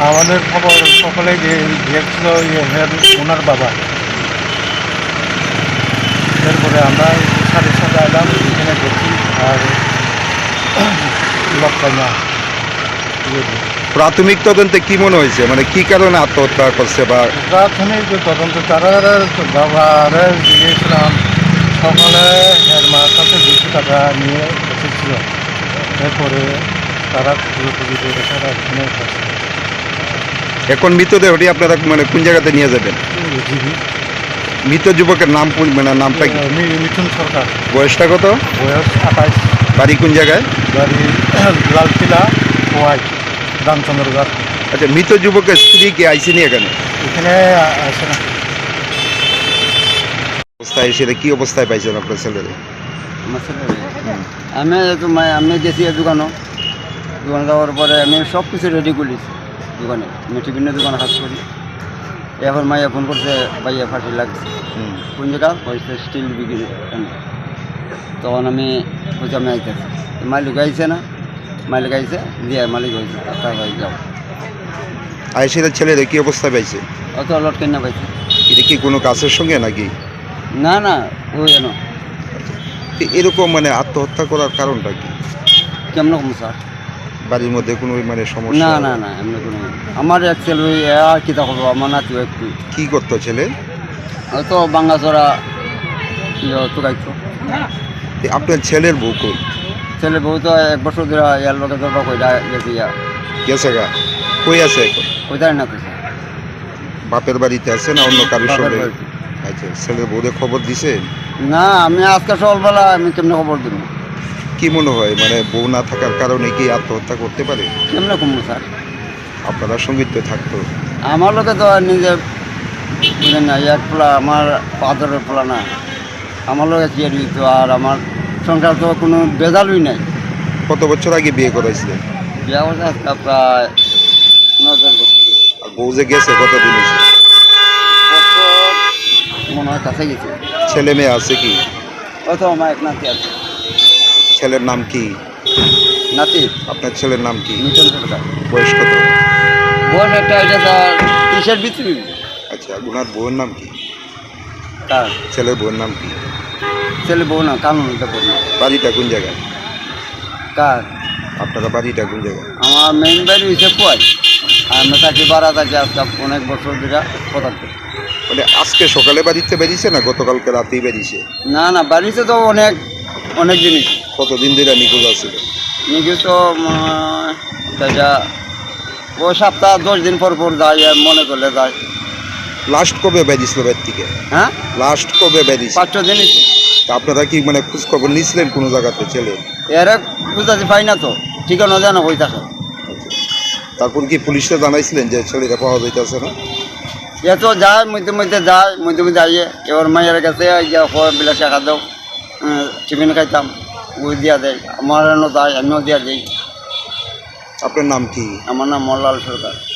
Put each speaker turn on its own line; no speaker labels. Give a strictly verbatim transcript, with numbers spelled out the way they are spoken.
আমাদের খবর সকলে গিয়েছিল ওনার বাবা। এরপরে আমরা সাথে সাথে এলাম, এখানে দেখি আর লক্ষা না।
প্রাথমিক তদন্তে কি মনে হয়েছে, মানে কি কারণে আত্মহত্যা করছে? বা
প্রাথমিক তদন্ত তারা বাবারে জিজ্ঞেছিলাম, সকালে এর মার কাছে দুশো টাকা নিয়ে এসেছিল। এরপরে তারা খুঁজে খুঁজে তারা এখানে করছে।
এখন মৃতদেহটি আপনারা মানে কোন জায়গাতে নিয়ে যাবেন?
জিবি
মৃত যুবকের নাম কোন, মানে নামটা কি?
মিঠুন সরকার।
বয়সটা কত?
বয়স আঠাইশ।
বাড়ি কোন জায়গায়?
বাড়ি লালকিলা ওয়াই রামচন্দ্রগড়।
আচ্ছা, মৃত যুবকের স্ত্রী কি আইসিনি এখানে?
এখানে আসে না।
অবস্থায় সেটা কি অবস্থায় পাইছেন আপনার ছেলেরে?
আমার ছেলে আমি তো আমি গেছি দোকানও, দোকান যাওয়ার পরে আমি সব কিছু রেডি করেছি দোকানে। আমি বিভিন্ন দোকানে কাজ করি। এখন মাইয়া ফোন করছে, ভাইয়া ফাঁসি লাগছে। কোন জায়গা? হয়েছে স্টিল বিক্রি। তখন আমি বলছি আমি আইতেছি, মালিক আইছে না, মালিক আইছে দিয়ে মালিক হয়েছে তার ভাই যাও।
আইসির ছেলেরে কি অবস্থায় পাইছে?
অত লট কেনা পাইছে।
এটা কি কোনো কাছের সঙ্গে নাকি?
না না, ওই যেন
তো এরকম মানে আত্মহত্যা করার কারণটা কি?
কেমন কম স্যার?
বাড়ির মধ্যে কোনো মানে সমস্যা?
না না না, এমনি কোনো আমার এক ছেলে ওই আর কী তা করবো, আমার নাতি একটু
কি করতো ছেলে?
হয়তো বাঙ্গাচড়া তো গাইতো।
আপনার ছেলের বউ কই?
ছেলে বউ তো এক বছর ধরে ইয়ার লোকে ধরবা কইটা গেছে, ইয়া
গেছে গা? কই আছে এখন?
কইতাই না তো স্যার।
বাপের বাড়িতে আছে না অন্য কারোর
বাপের
সঙ্গে?
বাড়িতে।
আচ্ছা, ছেলের বউরে খবর দিছে?
না, আমি আজকে সকালবেলা আমি কেমনে খবর দিব?
কি মনে হয় মানে বউ না থাকার কারণে কি আত্মহত্যা করতে পারে?
কেমনে কমবো স্যার?
আপনারা সঙ্গীত তো থাকতো।
আমার লোকে তো আর নিজে বুঝেন না, এক পোলা আমার পাথরের পোলা না, আমার লোকে কি দিত। আর আমার সংসার তো কোনো বেজালই নাই।
কত বছর আগে বিয়ে করাইছিলেন?
বিয়া করছে আজকে প্রায় নয় দশ বছর।
আর বউ যে গেছে কতদিন হয়েছে?
বছর মনে হয় কাছে গেছে।
ছেলে মেয়ে আছে কি?
ওই তো আমার এক নাতি আছে।
ছেলের নাম কি?
নাতি
আপনার ছেলের নাম কি?
মিটন সরকার।
বয়স কত?
বয়স একটা এটা তার ত্রিশের ভিতরে।
আচ্ছা, ওনার বউয়ের নাম কি?
তার
ছেলের বউয়ের নাম কি?
ছেলে বউ না, কানুন এটা বলি।
বাড়িটা কোন জায়গায়?
কার?
আপনারা বাড়িটা কোন জায়গায়?
আমার মেইন বাড়ি হয়েছে পোয়াই। আর আমরা থাকি বাড়া থাকি আজকে অনেক বছর ধরে কথা করি।
মানে আজকে সকালে বাড়িতে বেরিয়েছে না গতকালকে রাতেই বেরিয়েছে?
না না, বাড়িতে তো অনেক অনেক জিনিস।
কতদিন ধরে নিখোঁজ আছে?
নিয়ে তো যা ও সপ্তাহ দশ দিন পর পর যায়, মনে করলে যায়।
লাস্ট কবে বেরিয়েছিল বাড়ি থেকে?
হ্যাঁ,
লাস্ট কবে বেরিয়েছে?
পাঁচ ছ দিন।
আপনারা কি মানে খোঁজ খবর নিয়েছিলেন কোনো জায়গাতে ছেলে?
এর বুঝতে পাই না তো, ঠিকানা জানো হয়ে থাকে।
তারপর কি পুলিশে জানাইছিলেন যে ছেলেটা পাওয়া যাইতেছে না?
এ তো যায়, মধ্যে মধ্যে যায়, মধ্যে মধ্যে আইয়ে। এবার মায়ের কাছে বিলা টাকা দাও, টিফিন খাইতাম, ওই দিয়া দেয়। আমার যায়, আমিও দিয়া দিই।
আপনার নাম কি?
আমার নাম মল্লাল সরকার।